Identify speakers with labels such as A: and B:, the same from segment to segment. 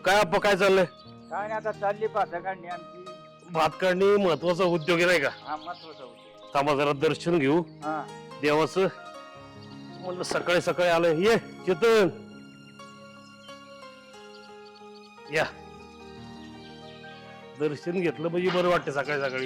A: काय अप्पा काय चाललंय?
B: काय नाही आता चालली भाता काढणी आमची.
A: भात काढणी महत्वाचा उद्योग आहे नाही का?
B: हा महत्वाचा होतो.
A: थांबा जरा दर्शन घेऊ
B: हा
A: देवाचं. म्हणलं सकाळी सकाळी आलं. ये चेतन या, दर्शन घेतलं म्हणजे बरं वाटतं सकाळी सकाळी.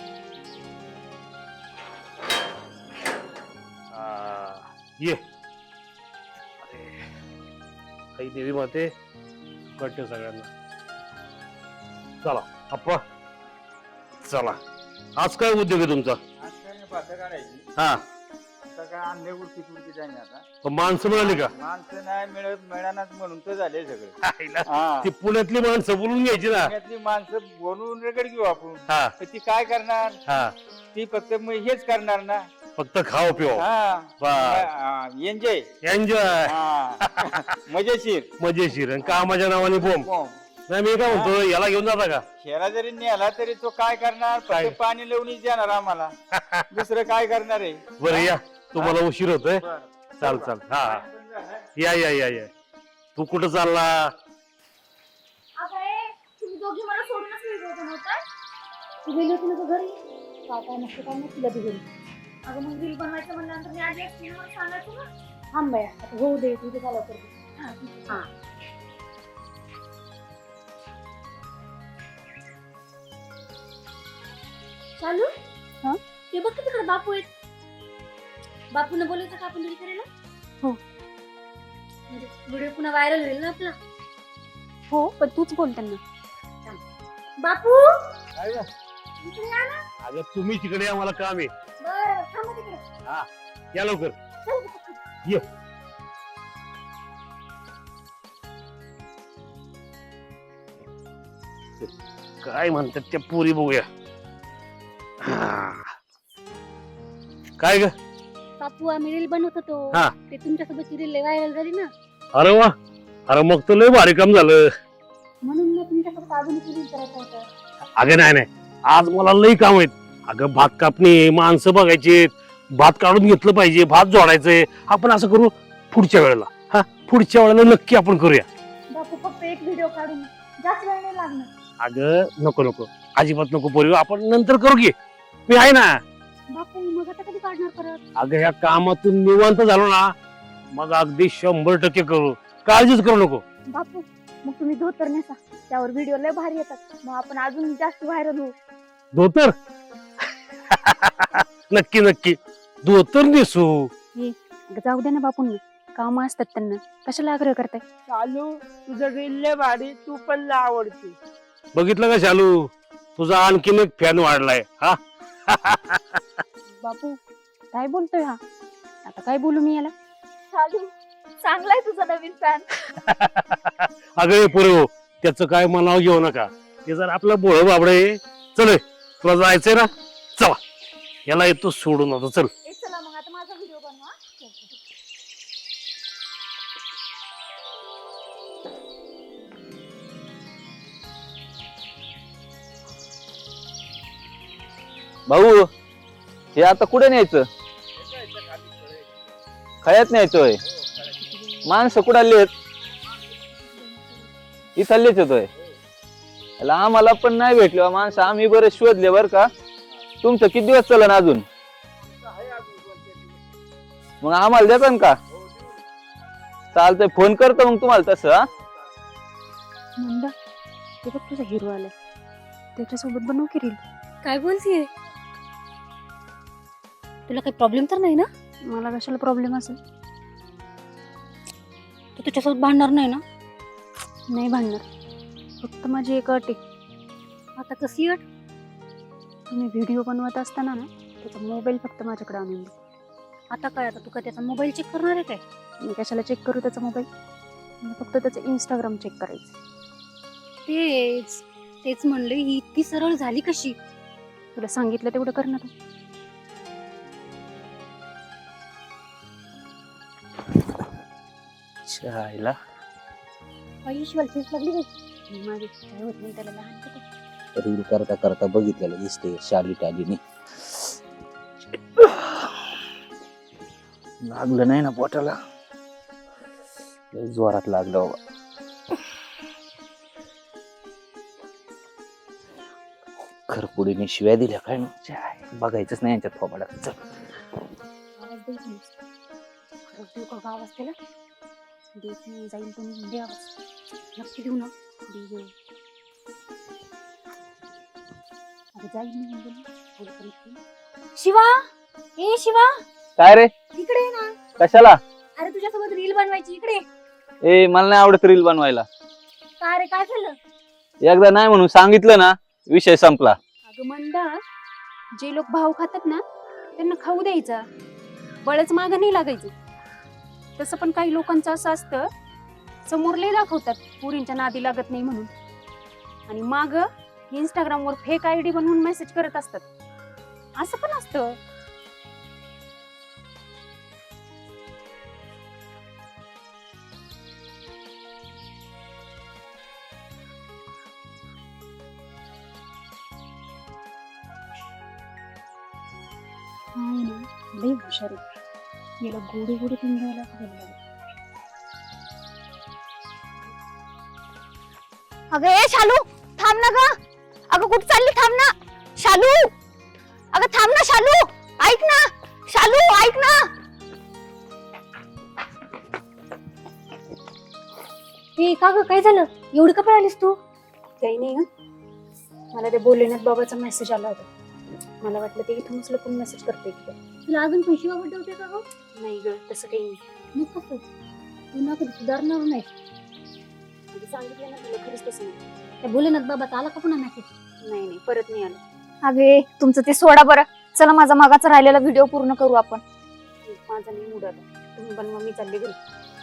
A: ये अरे काही देवी माते कळते सगळ्यांना. चला अप्पा चला, आज काय उद्योग आहे तुमचा?
B: आज काय नाही भाता काढायची.
A: हा
B: आता काय आणले उडकी तुडकी जाईन आता.
A: पण माणसं मिळाली का?
B: माणसं नाही मिळत मिळानाच म्हणून तर झाले सगळे.
A: आईला,
B: हा
A: ती पुण्यातली माणसं बोलून घ्यायची ना.
B: पुण्यातली माणसं बोलून रेकड घेऊ आपण.
A: हा
B: तर ती काय करणार?
A: हा,
B: ती फक्त हेच करणार ना.
A: फक्त खाओ पिओ
B: एन्जॉय.
A: एन्जॉय
B: मजेशीर.
A: मजेशीर आणि कामाच्या नावाने बोंब. नाही मी काय म्हणतो, याला घेऊन जाता का?
B: खेळा जरी नेला तरी तो काय करणार?
A: काय?
B: फक्त पाणी लावूनच देणार आम्हाला. दुसरं काय करणार आहे?
A: बरं या, तुम्हाला उशीर होतोय.
B: बरं.
A: चाल चाल. हा या या या या. तू कुठं चालला?
C: तुम्ही दोघी मला सोडूनच गेले होते नव्हता. तू गेली होती ना घरी. काय नसतं काय नाही तुला ती घरी. अगं मग रील बनवायचं म्हणल्यानंतर मी आधी असते मला सांगायचं ना. थांब बाया आता होऊ दे तुझे झालं करते. हा चालू. हा ते बघ तिकडे बापू आहेत. बापून बोलायचं का आपण घरी करायला? हो म्हणजे व्हिडिओ पुन्हा व्हायरल होईल ना आपला. हो पण तूच बोल त्यांना. बापू
B: काय गं?
C: इकडे या ना.
A: अगं तुम्ही तिकडे या, मला काम आहे.
C: बरं थांबा तिकडे.
A: हा या लवकर.
C: चल पटकन.
A: ये. काय म्हणतात त्या पोरी बघूया. हा. काय ग?
C: बापू आम्ही रील बनवत होतो.
A: हा.
C: ते तुमच्यासोबतची रील व्हायरल झाली ना
A: अरे वा, अरे मग तर लय भारी काम झालं.
C: म्हणून मी तुमच्यासोबत अजून रील करायचं होतं.
A: अगं नाही नाही, आज मला लई काम आहेत. अगं भात कापणी, माणसं बघायची, भात काढून घेतलं पाहिजे, भात जोडायचंय. आपण असं करू पुढच्या वेळेला. हा पुढच्या वेळेला नक्की आपण करूया.
C: बापू फक्त एक व्हिडिओ काढून जास्त वेळ नाही लागणार.
A: अगं नको नको, अजिबात नको पोरी, आपण नंतर करू की. मी आहे ना.
C: बापू मग आता कधी काढणार परत?
A: अगं ह्या कामातून निवांत झालो ना, मग अगदी 100% करू. काळजीच करू नको.
C: बापू मग तुम्ही धोतर नेसा, त्यावर व्हिडिओ लय भारी येतात. मग आपण अजून जास्त व्हायरल होऊ.
A: धोतर नक्की नक्की धोतर नेसू.
C: जाऊ दे ना बापूंना, काम असतात त्यांना, कशाला आग्रह करताय?
D: चालू तुझं रील लय भारी, तू पण लय आवडते.
A: बघितलं का शालू, तुझा आणखीन एक फॅन वाढलाय. हा
C: बापू काय बोलतोय हा? आता काय बोलू मी याला? चालू चांगलाय तुझा नवीन फॅन.
A: अगं पोरे, त्याचं काय मनाव घेऊ नका. ते जर आपलं बोळ बाबडे. चल तुला जायचंय ना, चला याला येतो सोडून. आता चल.
C: चला मग आता माझा व्हिडिओ बनवा.
E: भाऊ हे आता कुठे न्यायचं? खयात न्यायचोय. माणसं कुठाली आहेत? इथलीच येतोय. आम्हाला पण नाही भेटले माणसं. आम्ही बरे शोधले बर का. तुमचं किती दिवस चलन अजून? मग आम्हाला देता का? चालतंय, फोन करतो मग तुम्हाला तसं. हा
C: मंदा ते बघ तुझा हिरो आलाय, त्याच्यासोबत बनवू की रील. काय बोलतीये? तुला काही प्रॉब्लेम तर नाही ना? मला कशाला प्रॉब्लेम असेल? तू त्याच्यासोबत भांडणार नाही ना? नाही भांडणार. फक्त माझी एक अट आहे. आता कसली अट? तुम्ही व्हिडिओ बनवत असताना ना त्याचा मोबाईल फक्त माझ्याकडे आणून दे. आता काय? आता तू का त्याचा मोबाईल चेक करणार आहे काय? मी कशाला चेक करू त्याचा मोबाईल? मला फक्त त्याचं इंस्टाग्राम चेक करायचं. तेच तेच म्हणलं, ही इतकी सरळ झाली कशी? तुला सांगितलं तेवढं कर ना तू.
E: चायला
C: आयुष्यभर तेच लागली बाई. माझी काय होत नाही त्याला लहान का ते?
E: रील करता करता बघितलेलं दिसते शाली टालीने. लागलं नाही ना पोटाला? लय जोरात लागलं बाबा. खरपुडीने शिव्या दिल्या काय ना छाय, बघायचंच नाही यांच्यात फोबाडात. चल.
C: आवाज द्यायचा नाही. खरंच देऊ का गं आवाज त्याला? देत नाही, जाईल तो निघून दे आवाज. नक्की देऊ ना? दे गं. अगं जाईल निघून दे ना. बोल पण इकडे. शिवा, ए शिवा,
E: काय रे?
C: इकडे ये ना.
E: कशाला?
C: अरे तुझ्यासोबत रील बनवायची, इकडे ये.
E: ए मला नाही आवडत रील बनवायला.
C: काय रे, काय झालं?
E: एकदा नाही म्हणून सांगितलं ना, विषय संपला.
C: अगं मंदा, जे लोक भाव खातात ना त्यांना खाऊ द्यायचा, बळच मागं नाही लागायचं. तसं पण काही लोकांचं असं असतं, समोर लय दाखवतात पुरींच्या नादी लागत नाही म्हणून, आणि माग इंस्टाग्रामवर फेक आयडी बनवून मेसेज करत असतात. असं पण असतं. हाय ना, लय हुशार आहे. याला गोडी गोडी पिंजवायला लागेल.
F: अगं ए शालू, थांब ना ग. अगं कुठं चालली? थांब ना शालू. अगं थांब ना शालू, ऐक ना शालू, ऐक ना.
C: ए का ग, काय झालं? एवढी का पळालीस तू? काही नाही ग, मला ते बोलण्यात बाबाचा मेसेज आला होता. मला वाटलं ते इथूनच लपून मेसेज करते की काय.
F: तुला अजून पैसे वापरते होते का ग?
C: नाही ग, तसं काही नाही.
F: मग कसं? तू ना कधी सुधारणार नाही.
C: म्हणजे सांगितलं ना तुला, खरंच तसं नाही.
F: त्या भोलेनाथ बाबाचा आला का पुन्हा मेसेज?
C: नाही नाही, परत नाही आलं.
F: अगे तुमचं ते सोडा बरं. चला माझा मागाचा राहिलेला व्हिडिओ पूर्ण करू आपण.
C: माझा नाही मूड आला. तुम्ही बनवा, मी चालले घरी.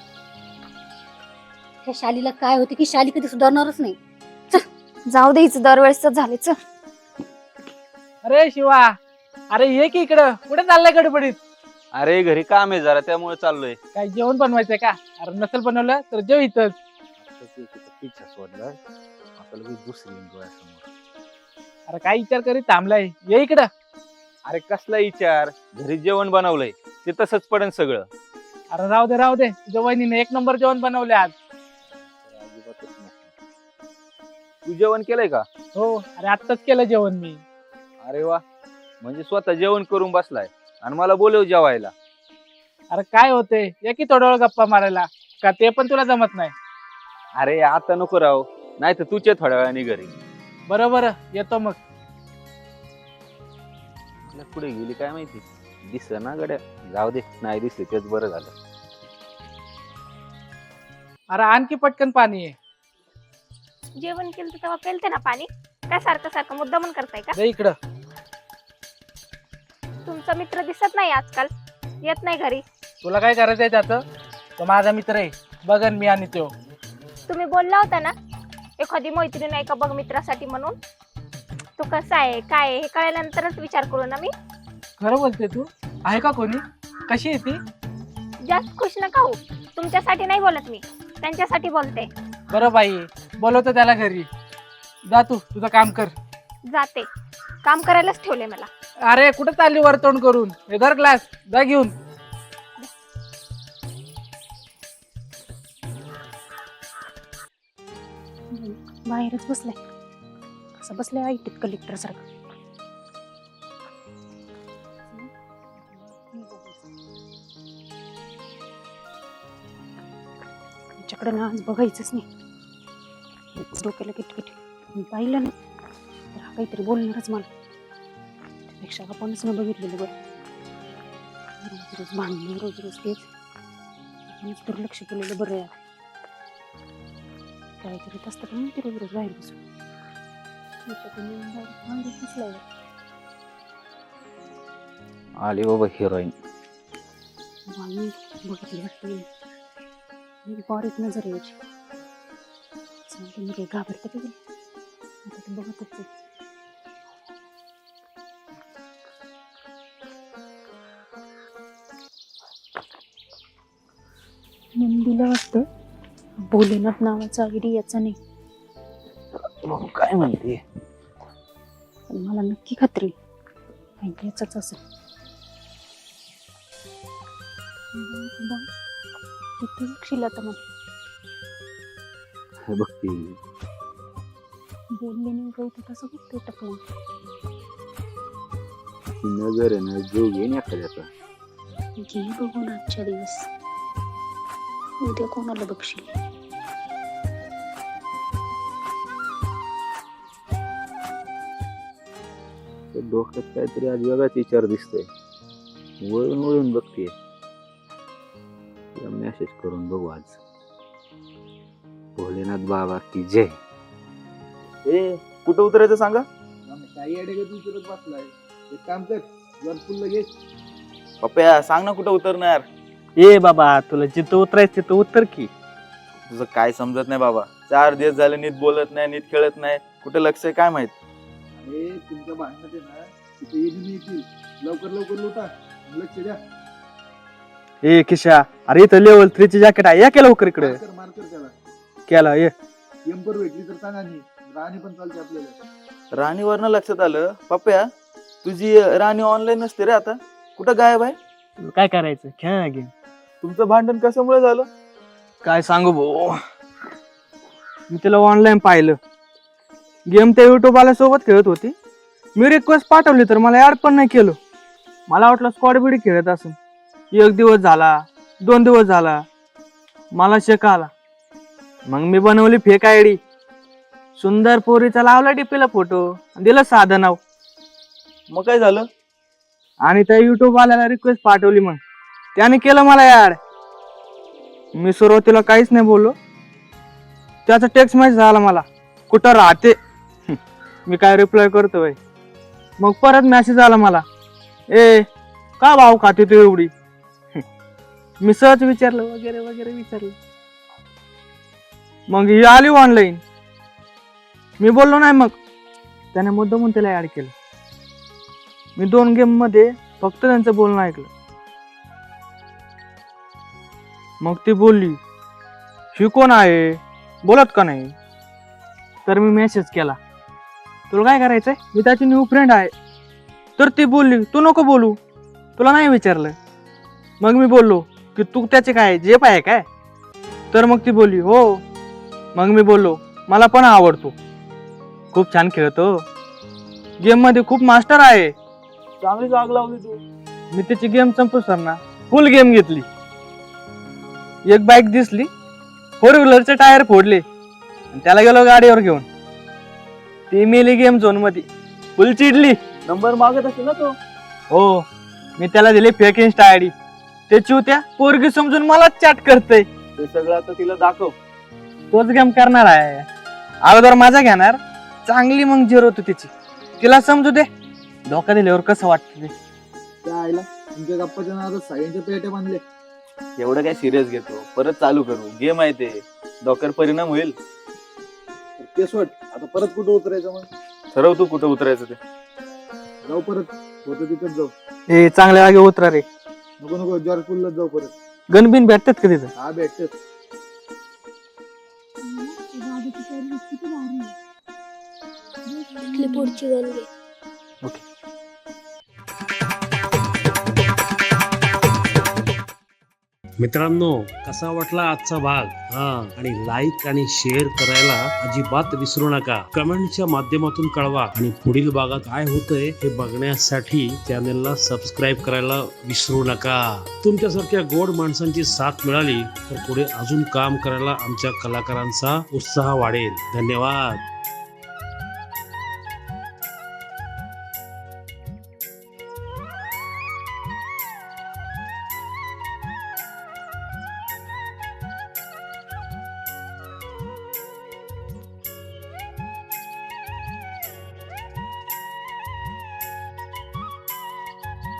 F: त्या शालीला काय होते की शाली कधी सुधारणारच नाही. चल जाऊ दे, हिचं दरवेळेस झाले. चल.
B: अरे शिवा, अरे ये की इकडं. कुठे चाललाय गडबडीत?
E: अरे घरी काम आहे जरा, त्यामुळे चाललोय.
B: काय जेवण बनवायचंय का? अरे नसेल बनवलं तर जेव इथंच.
E: पिच्छा सोडला आता लगेच दुसरी डोळ्यासमोर.
B: अरे काय विचार करीत थांबलाय? ये इकडं.
E: अरे कसला विचार? घरी जेवण बनवलंय ते तसंच पडन सगळं.
B: अरे राहू दे राहू दे, तुझ्या वहिनीने एक नंबर जेवण बनवले आज.
E: अजिबातच नाही. तू जेवण केलंय का?
B: हो, अरे आत्ताच केलं जेवण मी.
E: अरे वा, म्हणजे स्वतः जेवण करून बसलाय आणि मला बोलव जेवायला.
B: अरे काय होते, ये की थोडा वेळ गप्पा मारायला. का ते पण तुला जमत नाही?
E: अरे आता नको राव, नाही तर तुझे थोड्या वेळाने घरी.
B: बरोबर, येतो मग.
E: पुढे गेली काय माहिती, दिस ना गड्या. जाऊ दे, नाही दिसले तेच बरं झालं.
B: अरे आणखी पटकन पाणी आहे.
F: जेवण केलं तेव्हा पेलते ना पाणी. काय सारखं सारखं मुद्दामून करताय का?
B: ये इकडं.
F: तुमचा मित्र दिसत नाही आजकाल, येत नाही घरी.
B: तुला काय करायचंय त्याचं? तो माझा मित्र आहे, बघन मी आणि तो.
F: तुम्ही बोलला होता ना एखादी मैत्रीण आहे का बघ मित्रासाठी म्हणून. तू कसा आहे काय आहे हे कळल्यानंतरच विचार करू ना मी.
B: खरं बोलते तू? आहे का कोणी? कशी आहे ती?
F: जास्त खुश नका होऊ. तुमच्यासाठी नाही बोलत मी, त्यांच्यासाठी बोलते.
B: बरं बाई, बोलवतो त्याला घरी. जा तू तुझं काम कर.
F: जाते, काम करायलाच ठेवले मला.
B: अरे कुठं चालली वरतोंड करून? हे धर ग्लास, जा घेऊन.
C: बाहेरच बसलाय. असं बसलाय आयटीत कलेक्टर सारखं. तुमच्याकडे ना आज बघायचंच नाही. डोक्याला किटकिट. मी पाहिलं ना तर हा काहीतरी बोलणारच मला. त्यापेक्षा आपणच न बघितलेलं बरं. रोज रोज भांडणं, रोज रोज तेच. आपणच दुर्लक्ष केलेलं बरं आहे. काय करीत असतात म्हणून रोज रोज बाहेर बसून.
E: आली बाबा हिरोईन.
C: बघितली वाटते बारीक नजर यायची. मी काही घाबरते का गेली? आता ते बघतच आहे. नंदीला वाटतं भोलेनाथ नावाचा आयडी याचा नाही.
E: मग काय म्हणते?
C: पण मला नक्की खात्री आहे याचाच असेल. किती शिला तर मला
E: बघते
C: बोलले नाही गवत तसं बघते टपलं.
E: नजर आहे ना जो घेईन एखाद्याचा.
C: घे बघून आजच्या दिवस, उद्या कोणाला बघशील.
E: डोक्यात काहीतरी आज वेगळाच विचार दिसतोय. वळून वळून बघते. मेसेज करून बघू आज. भोलेनाथ बाबा की जय.
G: कुठं उतरायचं सांगा. काही अडगत उतरत बसलाय. एक काम कर, जर फुल लगेच. पप्प्या सांग ना कुठं उतरणार.
B: ए बाबा, तुला जिथं उतरायचं तिथं उतर की.
G: तुझं काय समजत नाही बाबा. 4 दिवस झाले नीट बोलत नाही, नीट खेळत नाही. कुठे लक्ष आहे काय माहित. अरे तुमच्या भांडणात आहे ना, तिथे येतील. लवकर लवकर लुटा, लक्ष द्या.
B: ए किशा, अरे इथं लेवल 3 चे जॅकेट आहे, या केलं लवकर इकडे.
G: मार्कर त्याला
B: केला ये.
G: एम्पर भेटली तर सांगा. राणी पण चालते आपल्याला. राणीवरनं लक्षात आलं. पप्प्या तुझी राणी ऑनलाईन नसते रे आता. कुठं गायब आहे.
B: काय करायचं, खेळ गेम.
G: तुमचं भांडण कशामुळे झालं.
B: काय सांगू भाऊ, मी तिला ऑनलाईन पाहिलं. गेम त्या युट्यूब वाल्या सोबत खेळत होती. मी रिक्वेस्ट पाठवली तर मला ऍड पण नाही केलं. मला वाटलं स्क्वॉड बिडी खेळत असेल. 1 दिवस झाला, 2 दिवस झाला, मला शेक आला. मग मी बनवली फेक आयडी. सुंदर पोरीचा लावला डीपीला फोटो, दिलं साधं नाव.
G: मग काय झालं.
B: आणि त्या युट्यूब वाल्याला रिक्वेस्ट पाठवली. मग त्याने केलं मला ऍड. मी सुरुवातीला काहीच नाही बोललो. त्याचा टेक्स्ट मेसेज आला मला, कुठं राहते. मी काय रिप्लाय करतोय. मग परत मेसेज आला मला, ए का भाव खाते तू एवढी. मी सहज विचारलं वगैरे वगैरे विचारलं. मग ही आली ऑनलाईन. मी बोललो नाही. मग त्याने मुद्दामून त्याला ऍड केलं. मी 2 गेम मध्ये फक्त त्यांचं बोलणं ऐकलं. मग ती बोलली, ही कोण आहे, बोलत का नाही. तर मी मेसेज केला, तुला काय करायचंय, मी त्याची न्यू फ्रेंड आहे. तर ती बोलली, तू नको बोलू, तुला नाही विचारलं. मग मी बोललो की तू त्याचे काय जेप आहे काय. तर मग ती बोलली हो. मग मी बोललो मला पण आवडतो, खूप छान खेळतो, गेम मध्ये खूप मास्टर आहे.
G: चांगली जाग लावली तू.
B: मी त्याची गेम संपू सर ना फुल गेम घेतली. एक बाईक दिसली, 4 व्हीलरचे टायर फोडले, त्याला गेलो गाडीवर घेऊन. ती मेली गेम झोन मध्ये, फुल चिडली.
G: नंबर मागत असेल ना तो.
B: हो, मी त्याला दिली फेक इन्स्टा आयडी. त्याची होत्या पोरगी समजून मला चॅट करते.
G: ते सगळं आता तिला दाखव.
B: तोच गेम करणार आहे. अगोदर माझा घेणार, चांगली मग झिरो होती तिची. तिला समजू दे, धोका दिल्यावर कसं वाटतं ते.
G: त्या आईला तुमच्या गप्पाच्या नादात सगळ्यांच्या पेट्या बांधले. एवढं काय सिरियस घेतो, परत चालू करू. गेम आहे ते, डोक्यावर परिणाम होईल. ते सोड, आता परत कुठं उतरायचं. मग ठरव तू कुठं उतरायचं ते. जाऊ परत, होतं तिथंच जाऊ.
B: हे चांगल्या जागी उतरा रे.
G: नको नको, जॉर्ज पूललाच जाऊ परत.
B: गणबिन भेटतात का तिथं.
G: हा भेटत.
F: पुढची गणगे.
A: मित्रांनो, कसा वाटला आजचा भाग. आणि लाईक आणि शेअर करायला अजिबात विसरू नका. कमेंटच्या माध्यमातून कळवा. आणि पुढील भागात काय होतंय हे बघण्यासाठी चॅनलला सबस्क्राईब करायला विसरू नका. तुमच्यासारख्या गोड माणसांची साथ मिळाली तर पुढे अजून काम करायला आमच्या कलाकारांचा उत्साह वाढेल. धन्यवाद.